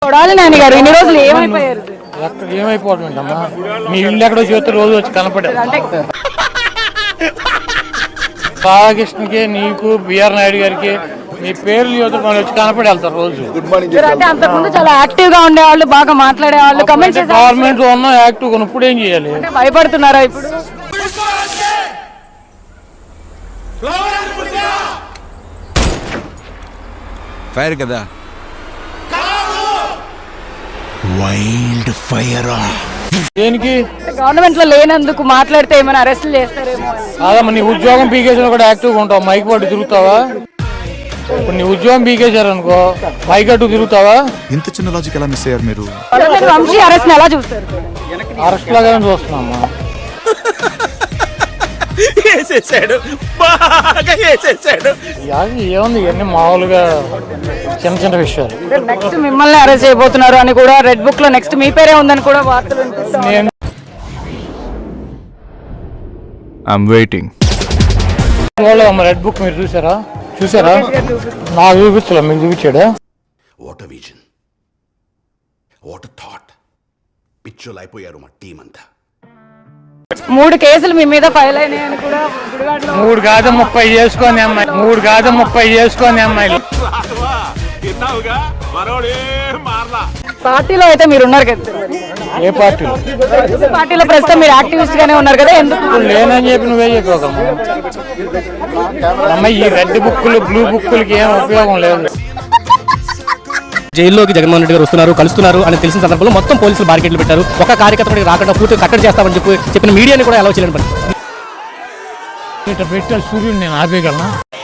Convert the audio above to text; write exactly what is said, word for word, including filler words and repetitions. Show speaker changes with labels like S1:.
S1: కొడాలి నాని గారు ఇన్ని రోజులు ఏమైపోయారు?
S2: ఎక్కడ ఏమైపోవడం ఏంటమ్మా, మీ ఇల్లు ఎక్కడో చేస్తే రోజు వచ్చి కనపడారు.
S1: అంటే
S2: బాలకృష్ణకి, నీకు, బిఆర్ నాయుడు గారికి మీ పేర్లు యువతలు మనం వచ్చి కనపడి వెళ్తారు రోజు.
S1: అంటే అంతకుముందు చాలా యాక్టివ్ గా ఉండేవాళ్ళు, బాగా మాట్లాడేవాళ్ళు, కమెంట్స్
S2: గవర్నమెంట్ లో ఉన్న యాక్టివ్ గా ఇప్పుడు ఏం చేయాలి?
S1: భయపడుతున్నారా ఇప్పుడు?
S3: ఫైర్ కదా,
S4: వైల్డ్ ఫైర్.
S2: దేనికి?
S1: గవర్నమెంట్ లో లేనందుకు మాట్లాడితే ఏమైనా అరెస్టులు చేస్తారేమో.
S2: అదమ్మా, నీ ఉద్యోగం పీకేసిన కూడా యాక్టివ్ గా ఉంటావు, మైక్ పట్టు తిరుగుతావా? ఇప్పుడు నీ ఉద్యోగం పీకేశారు అనుకో, మైక్ అట్టు తిరుగుతావా?
S4: ఇంత చిన్న లాజిక్ ఎలా మిస్ అయ్యారు మీరు?
S1: వంశీ అరెస్ట్ ఎలా చూస్తారు?
S2: అరెస్ట్ లాగానే చూస్తున్నామ్మా. ఏముంది, ఇవన్నీ మామూలుగా చిన్న చిన్న విషయాలు.
S1: నెక్స్ట్ మిమ్మల్ని అరెస్ట్ చేయబోతున్నారు అని కూడా రెడ్ బుక్ లో నెక్స్ట్ మీ పేరే ఉందని కూడా వార్తలు వినిపిస్తున్నాయి.
S2: రెడ్ బుక్ మీరు చూసారా? చూసారా? నాకు చూపించలే, మీకు చూపించాడా?
S5: What vision, what thought. పిచ్చోలు అయిపోయారు మా టీం అంతా.
S1: మూడు కేసులు మీ మీద ఫైల్ అయినాయని కూడా గుడివాడలో.
S2: మూడు కాదు ముప్పై చేసుకొని అమ్మాయి, మూడు కాదు ముప్పై చేసుకొని అమ్మాయిలు.
S1: పార్టీలో అయితే మీరు ఉన్నారు కదా?
S2: ఏ పార్టీలో?
S1: పార్టీలో ప్రస్తుతం మీరు యాక్టివిస్ట్ గానే ఉన్నారు కదా, ఎందుకు
S2: లేనని చెప్పి నువ్వే చెప్పగలము అమ్మాయి. ఈ రెడ్ బుక్కులు, బ్లూ బుక్కులకి ఏం ఉపయోగం లేదు.
S6: జైల్లోకి జగన్మోహన్ రెడ్డి గారు వస్తున్నారు, కలుస్తున్నారు అని తెలిసిన సందర్భంలో మొత్తం పోలీసులు బారికేడ్లు పెట్టారు. ఒక కార్యకర్త రాకుండా పూర్తిగా కట్టడి చేస్తామని చెప్పి చెప్పిన మీడియాని కూడా అలౌ చేయలేని పని.
S2: ఇట్లా పెట్టాలి, సూర్యుడు నేను ఆపేయగలనా?